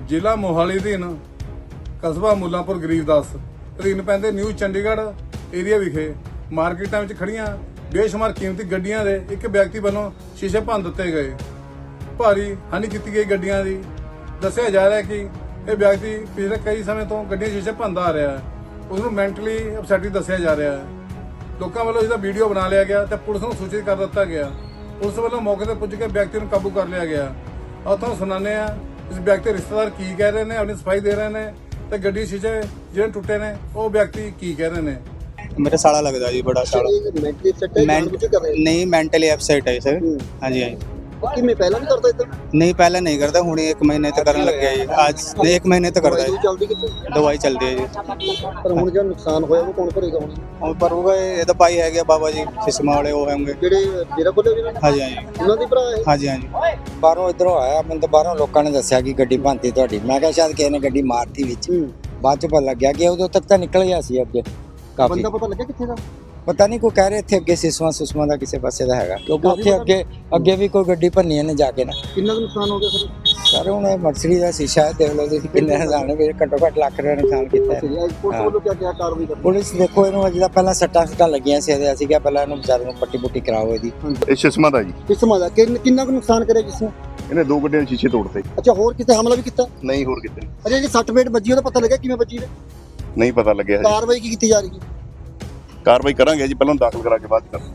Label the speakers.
Speaker 1: ਜ਼ਿਲ੍ਹਾ ਮੋਹਾਲੀ ਅਧੀਨ ਕਸਬਾ ਮੁੱਲਾਂਪੁਰ ਗਰੀਬਦਾਸ ਅਧੀਨ ਪੈਂਦੇ ਨਿਊ ਚੰਡੀਗੜ੍ਹ ਏਰੀਆ ਵਿਖੇ ਮਾਰਕੀਟਾਂ ਵਿੱਚ ਖੜੀਆਂ ਬੇਸ਼ੁਮਾਰ ਕੀਮਤੀ ਗੱਡੀਆਂ ਦੇ ਇੱਕ ਵਿਅਕਤੀ ਵੱਲੋਂ ਸ਼ੀਸ਼ੇ ਭੰਨ ਦਿੱਤੇ ਗਏ। ਭਾਰੀ ਹਾਨੀ ਕੀਤੀ ਗਈ ਗੱਡੀਆਂ ਦੀ। ਦੱਸਿਆ ਜਾ ਰਿਹਾ ਹੈ ਕਿ ਇਹ ਵਿਅਕਤੀ ਪਿਛਲੇ ਕਈ ਸਮੇਂ ਤੋਂ ਗੱਡੀਆਂ ਸ਼ੀਸ਼ੇ ਭੰਨਦਾ ਆ ਰਿਹਾ ਹੈ। ਉਸ ਨੂੰ ਮੈਂਟਲੀ ਅਪਸੈਟ ਦੱਸਿਆ ਜਾ ਰਿਹਾ ਹੈ। ਲੋਕਾਂ ਵੱਲੋਂ ਇਸਦਾ ਵੀਡੀਓ ਬਣਾ ਲਿਆ ਗਿਆ ਤੇ ਪੁਲਿਸ ਨੂੰ ਸੂਚਿਤ ਕਰ ਦਿੱਤਾ ਗਿਆ। ਪੁਲਿਸ ਵੱਲੋਂ ਮੌਕੇ ਤੇ ਪੁੱਜ ਕੇ ਵਿਅਕਤੀ ਨੂੰ ਕਾਬੂ ਕਰ ਲਿਆ ਗਿਆ। ਆਓ ਤੁਹਾਨੂੰ ਸੁਣਾਉਂਦੇ ਆ ਇਸ ਵਿਅਕਤੀ ਦੇ ਰਿਸ਼ਤੇਦਾਰ ਕੀ ਕਹਿ ਰਹੇ ਨੇ, ਆਪਣੀ ਸਫਾਈ ਦੇ ਰਹੇ ਨੇ ਤੇ ਗੱਡੀ ਸ਼ੀਸ਼ੇ ਜਿਹੜੇ ਟੁੱਟੇ ਨੇ ਉਹ ਵਿਅਕਤੀ ਕੀ ਕਹਿ ਰਹੇ ਨੇ।
Speaker 2: मेरा साड़ा लगता है जी, बड़ा साड़ा नहीं मेंटली अपसेट है सर। हाँ जी हाँ
Speaker 3: मैं पहला भी करता इधर
Speaker 2: नहीं पहले नहीं करता हूँ 1 महीने तक करने लग गया जी। आज नहीं 1 महीने तक करता है।
Speaker 3: चलती कितने
Speaker 2: दवाई चलती है जी।
Speaker 3: पर हुण जो नुकसान होया वो कौन करेगा हुण
Speaker 2: और पर होगा ये तो भाई है गया बाबा जी सिस्मा वाले वो होंगे
Speaker 3: जेडे डेरा खोले जिन्होंने।
Speaker 2: हाँ जी हाँ जी
Speaker 3: ਉਹਨਾਂ ਦੇ ਭਰਾ ਹੈ।
Speaker 2: हाँ जी हाँ जी
Speaker 4: ਬਾਹਰੋਂ ਇਧਰੋਂ ਆਇਆ ਮੈਨੂੰ ਤਾਂ ਬਾਹਰੋਂ ਲੋਕਾਂ ਨੇ ਦੱਸਿਆ ਕਿ ਗੱਡੀ ਭੰਨਤੀ ਤੁਹਾਡੀ। ਮੈਂ ਕਿਹਾ ਸ਼ਾਇਦ ਕਿਸੇ ਨੇ ਗੱਡੀ ਮਾਰਤੀ ਵਿੱਚ। ਬਾਅਦ ਚ ਪਤਾ ਲੱਗਿਆ ਕਿ ਉਦੋਂ ਤੱਕ ਤਾਂ ਨਿਕਲ ਗਿਆ ਸੀ ਅੱਗੇ ਕਾਫੀ।
Speaker 3: ਬੰਦਾ ਪਤਾ ਲੱਗਿਆ ਕਿੱਥੇ ਦਾ?
Speaker 4: ਪਤਾ ਨਹੀਂ ਕੋਈ ਕਹਿ ਰਹੇ ਇੱਥੇ ਅੱਗੇ ਸਿਸਵਾ ਦਾ ਕਿਸੇ ਪਾਸੇ ਦਾ ਹੈਗਾ ਕਿਉਂਕਿ ਉੱਥੇ ਅੱਗੇ ਵੀ ਕੋਈ ਗੱਡੀ ਭੰਨੀ ਇਹਨੇ ਜਾ ਕੇ ਨਾ।
Speaker 3: ਕਿੰਨਾ ਕੁ ਨੁਕਸਾਨ ਹੋ ਗਿਆ ਸਰ?
Speaker 4: ਸਰ ਹੁਣ ਇਹ ਮਰਸਰੀ ਦਾ ਸ਼ੀਸ਼ਾ ਦੇਖ ਲਓ ਤੁਸੀਂ ਕਿੰਨੇ ਹਜ਼ਾਰ ਨੇ ਘੱਟੋ ਘੱਟ ਲੱਖ ਰੁਪਏ ਨੁਕਸਾਨ ਕੀਤਾ ਹੈ।
Speaker 3: ਪੁਲਿਸ ਵੱਲੋਂ ਕਿਆ ਕਾਰਵਾਈ ਕਰਨੀ?
Speaker 4: ਪੁਲਿਸ ਦੇਖੋ ਇਹਨੂੰ ਅਜੇ ਤਾਂ ਪਹਿਲਾਂ ਸੱਟਾਂ ਲੱਗੀਆਂ ਸੀ ਇਹਦੇ। ਅਸੀਂ ਕਿਹਾ ਪਹਿਲਾਂ ਇਹਨੂੰ ਵਿਚਾਰੇ ਨੂੰ ਪੱਟੀ ਪੁੱਟੀ ਕਰਾਓ ਇਹਦੀ।
Speaker 5: ਇਹ ਸਿਸਮਾ ਦਾ ਜੀ।
Speaker 3: ਕਿਸਮਾਂ ਦਾ ਕਿੰਨਾ ਕੁ ਨੁਕਸਾਨ ਕਰਿਆ ਜਿਸਨੇ?
Speaker 5: ਇਹਨੇ 2 ਗੱਡੀਆਂ ਦੇ ਸ਼ੀਸ਼ੇ ਤੋੜਤੇ।
Speaker 3: ਅੱਛਾ ਹੋਰ ਕਿਤੇ ਹਮਲਾ ਵੀ ਕੀਤਾ?
Speaker 5: ਨਹੀਂ ਹੋਰ ਕਿਤੇ
Speaker 3: ਅਜੇ ਜਿਹੜੀ 60 ਪੇਟ ਵੱਜੀ ਉਹਦਾ ਪਤਾ ਲੱਗਿਆ ਕਿਵੇਂ ਵੱਜੀ ਨੇ?
Speaker 5: ਨਹੀਂ ਪਤਾ ਲੱਗਿਆ ਹਜੇ।
Speaker 3: ਕਾਰਵਾਈ ਕੀ ਕੀਤੀ ਜਾ ਰਹੀ ਹੈ?
Speaker 5: ਕਾਰਵਾਈ ਕਰਾਂਗੇ ਜੀ, ਪਹਿਲਾਂ ਦਾਖਲ ਕਰਾ ਕੇ ਬਾਅਦ ਚ ਕਰਾਂਗੇ।